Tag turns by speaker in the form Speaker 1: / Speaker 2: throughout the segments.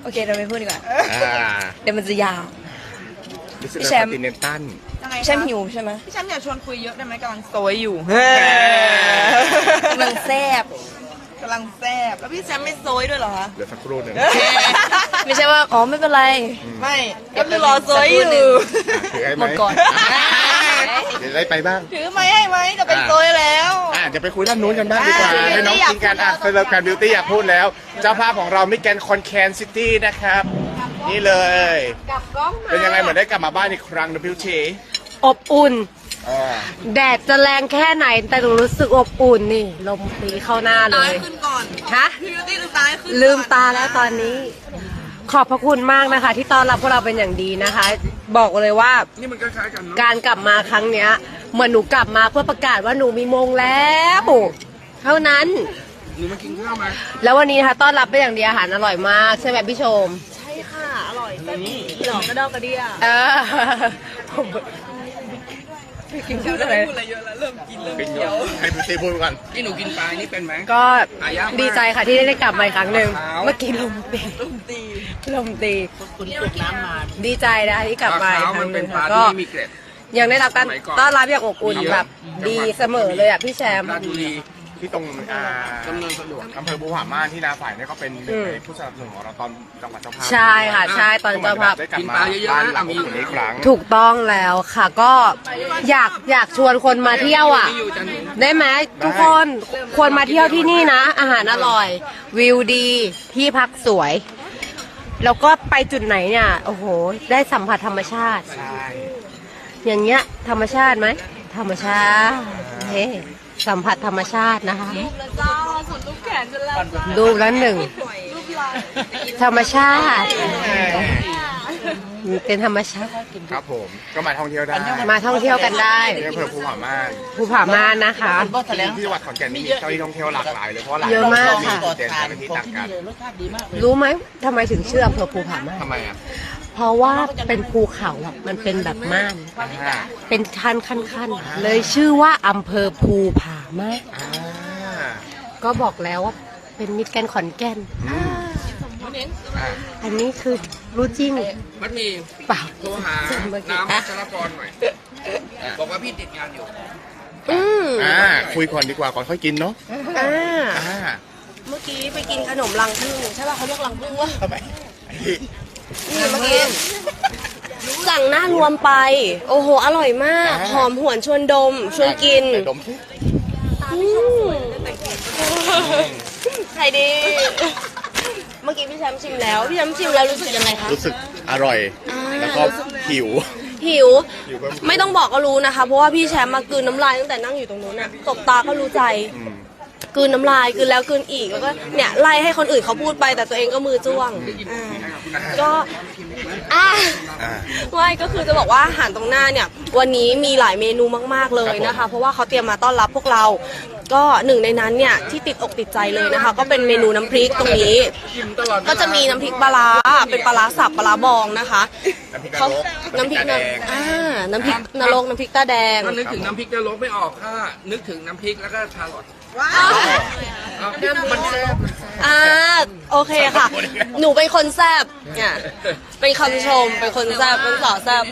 Speaker 1: เคเราไม่พูดดีกว่าเดี๋ยวมันจะยาว
Speaker 2: พี่แชมป์คอนติเนนตัล
Speaker 1: พี่แชมป์หิวใช่ไหม
Speaker 3: พี่แชมป์อยากชวนคุยเยอะได้ไหมกำลังโซยอยู่
Speaker 1: กำลังแซ่บ
Speaker 3: แล้วพี่แชมป์ไม่โซยด้วยเหรอคะ
Speaker 2: เดี๋ยวสักครู่หนึ่ง
Speaker 1: ไม่ใช่ว่าอ๋อไม่เป็นไร
Speaker 3: ไม่ก็คือรอโซยอยู่
Speaker 2: ถือให้ไหม
Speaker 1: หมดก่อน
Speaker 2: เดี๋ยวได้ไปบ้าง
Speaker 3: ถือไม้ให้ไหมจะเป็นโซยแล้ว
Speaker 2: จะไปคุยด้านนู้นกันบ้างดีกว่าให้น้องกินกันเซเลบแกรนบิวตี้อยากพูดแล้วเจ้าภาพของเรามิสแกรนด์คอนแคนซิตี้นะครับนี่เลยเป็นยังไงเหมือนได้กลับมาบ้านอีกครั้งนะบิวตี้
Speaker 4: อบอุ่นแดดจะแรงแค่ไหนแต่หนูรู้สึกอบอุ่นนี่ลมตีเข้าหน้าเลย
Speaker 3: ขึ้นก่อน
Speaker 4: ฮะ
Speaker 3: พี่บิวตี้ลืมตาขึ้น
Speaker 4: ลืมตาแล้วตอนนี้ขอบพระคุณมากนะคะที่ต้อนรับพวกเราเป็นอย่างดีนะคะบอกเลยว่า
Speaker 2: นี่มันคล้ายๆกันเนาะ
Speaker 4: การกลับมาครั้งเนี้ยเหมือนหนูกลับมาเพื่อประกาศว่าหนูมีมงแล้วเท่านั้น
Speaker 2: หนูมากินข้าวมา
Speaker 4: แล้ววันนี้นะคะต้อนรับเป็นอย่างดีอาหารอร่อยมากใช่ไหมพี่ชม
Speaker 3: ใช่ค่ะอร่อยแซ่บหลอกกระดอกกระเดี่ย
Speaker 1: กินข้าวได้ไหม
Speaker 3: พูดอะไรเยอะแล้วเริ่มกิน
Speaker 2: ให้บิวตี้พูดก่อน
Speaker 5: ที่หนูกินปลานี่เป็นไหม
Speaker 4: ก็ดีใจค่ะที่ได้กลับมาอีกครั้งหนึ่งเมื่อกี้ลมตี
Speaker 5: คุณตกน้ำมา
Speaker 4: ดีใจนะที่กลับมาอีกครั้งหนึ่ง
Speaker 5: ก็
Speaker 4: ยังได้รับการต้อนรับอย่างอบอุ่นแบบดีเสมอเลยอ่ะพี่แชมป์
Speaker 2: ที่ตรงอำเภอบูหาม่านที่นาฝ่ายเนี่ยก็เป็นผู้สนับสนุนของเราตอนจังหวัดเจ้าภาพ
Speaker 4: ใช่ค่ะใช่ตอนเจ้าภาพ
Speaker 2: กินปลาเยอะๆนะมีอีกครั้ง
Speaker 4: ถูกต้องแล้วค่ะก็อยากชวนคนมาเที่ยวอ่ะได้ไหมทุกคนควรมาเที่ยวที่นี่นะอาหารอร่อยวิวดีที่พักสวยแล้วก็ไปจุดไหนเนี่ยโอ้โหได้สัมผัสธรรมชาติอย่างเงี้ยธรรมชาติไหมธรรมชาติเฮ้สัมผัสธรรมชาตินะคะรูปแล้วหนึ่งธรรมชาติเป็นธรรมชาติ
Speaker 2: ครับผมก็มาท่องเที่ยวได้
Speaker 4: มาท่องเที่ยวกันได้
Speaker 2: อำเภอภูผาม่าน
Speaker 4: นะคะ
Speaker 2: ที่จังหวัดขอนแก่นมีเจ้าที่ท่องเที่ยวหลากหลายเลยเพราะหลาย
Speaker 4: เยอะมากค่ะ
Speaker 2: เด่นแต่ละที่ต่างกัน
Speaker 4: รู้ไหมทำไมถึงชื่ออำเภอภูผาม่าน
Speaker 2: ทำไมอ่ะ
Speaker 4: เพราะว่าเป็นภูเขาอ่ะมันเป็นแบบม่านเป็นขั้นเลยชื่อว่าอำเภอภูผาม่านก็บอกแล้วว่าเป็นมิตรแกนขอนแก่นอันนี้คือรู้จริง
Speaker 5: มันมี
Speaker 4: เปล่า
Speaker 5: โทรหาน้ำวัชรพรหน่อยบอกว่าพี่ติดงานอยู่
Speaker 2: คุยก่อนดีกว่าก่อนค่อยกินเนาะ
Speaker 1: เมื่อกี้ไปกินขนมรังผึ้งใช่ป่ะเขาเรียกรังผึ้งวะ
Speaker 2: ทำไม
Speaker 1: นี่เมื่อกี้สั่งหน้ารวมไปโอ้โหอร่อยมากหอมหวนชวนดมชวนกิน
Speaker 2: ดม
Speaker 1: ใครดีเมื่อกี้พี่แชมป์ชิมแล้วพี่แชมป์ชิมแล้วรู้สึกยังไงคะ
Speaker 2: รู้สึกอร่อยแล้วก็หิว
Speaker 1: ไม่ต้องบอกก็รู้นะคะเพราะว่าพี่แชมป์มากลืนน้ำลายตั้งแต่นั่งอยู่ตรงนู้นน่ะตบตาก็รู้ใจกลืนน้ำลายกลืนแล้วกลืนอีกแล้วก็เนี่ยไล่ให้คนอื่นเขาพูดไปแต่ตัวเองก็มือจ้วงก็ไม่ก็คือจะบอกว่าอาหารตรงหน้าเนี่ยวันนี้มีหลายเมนูมากๆเลยนะคะเพราะว่าเขาเตรียมมาต้อนรับพวกเราก็หนึ่งในนั้นเนี่ยที่ติดอกติดใจเลยนะคะก็เป็นเมนูน้ำพริกตรงนี้ก็จะมีน้ำพริกปลาร้าเป็นปลาร้าสับปลาร้าบองนะคะเขาน้ำพริกน้ำพริกนรกน้ำพริกตาแดง
Speaker 5: ถ้านึกถึงน้ำพริกนรกไม่ออกค่ะนึกถึงน้ำพริกแล้วก็ชาลอตมันแซ่บ
Speaker 1: โอเคค่ะหนูเป็นคนแซ่บเนี่ยเป็นคำชมเป็นคนแซ่บเป็นสาวแซ่บ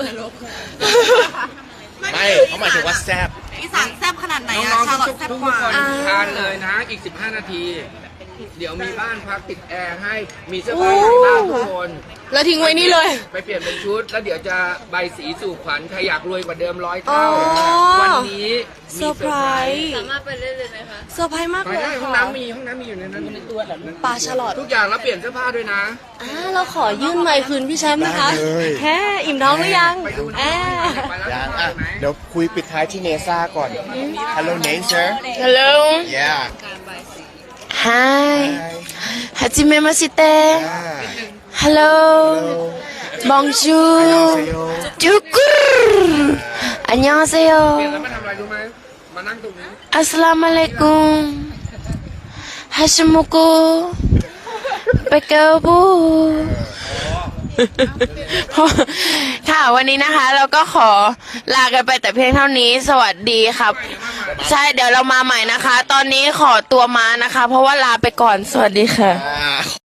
Speaker 2: ไม่เขาหมายถึงว่าแซ่บ
Speaker 3: อีสานแซ่บขนาดไหนอะ
Speaker 5: ชาลอตแซ่บกว่าทานเลยนะอีก15 นาทีเดี๋ยวมีบ้านพักติดแอร์ให้มีเสื้อผ้าอย่างบ้านทุกคน
Speaker 1: แล้วทิ้งไว้นี่เลย
Speaker 5: ไปเปลี่ยนเป็นชุดแล้วเดี๋ยวจะใบสีสู่ขวัญใครอยากรวยกว่าเดิม100 เท่าวันนี้
Speaker 1: เซอร์ไพรส์สามารถไปได้เลยไหมคะเซอร์ไพรส์มากเลย
Speaker 5: ห้องน้ำมีอยู่ในนั้น
Speaker 1: ปลาฉลอด
Speaker 5: ทุกอย่างแล้วเปลี่ยนเสื้อผ้าด้วยนะ
Speaker 1: เราขอยื่นไมค์คืนพี่แชมป์นะคะแค่อิ่มท้องหรือยัง
Speaker 2: ยังเดี๋ยวคุยปิดท้ายที่เนซ่าก่อน Hello Nature
Speaker 1: Hello
Speaker 2: Yeah
Speaker 1: Hi Hajime Masite Hello Bonjour Jukur 안녕하세요 Assalamualaikum Hashimoku Pekabu ค่ะวันนี้นะคะเราก็ขอลากันไปแต่เพียงเท่านี้สวัสดีครับใช่เดี๋ยวเรามาใหม่นะคะตอนนี้ขอตัวมานะคะเพราะว่าลาไปก่อนสวัสดีค่ะ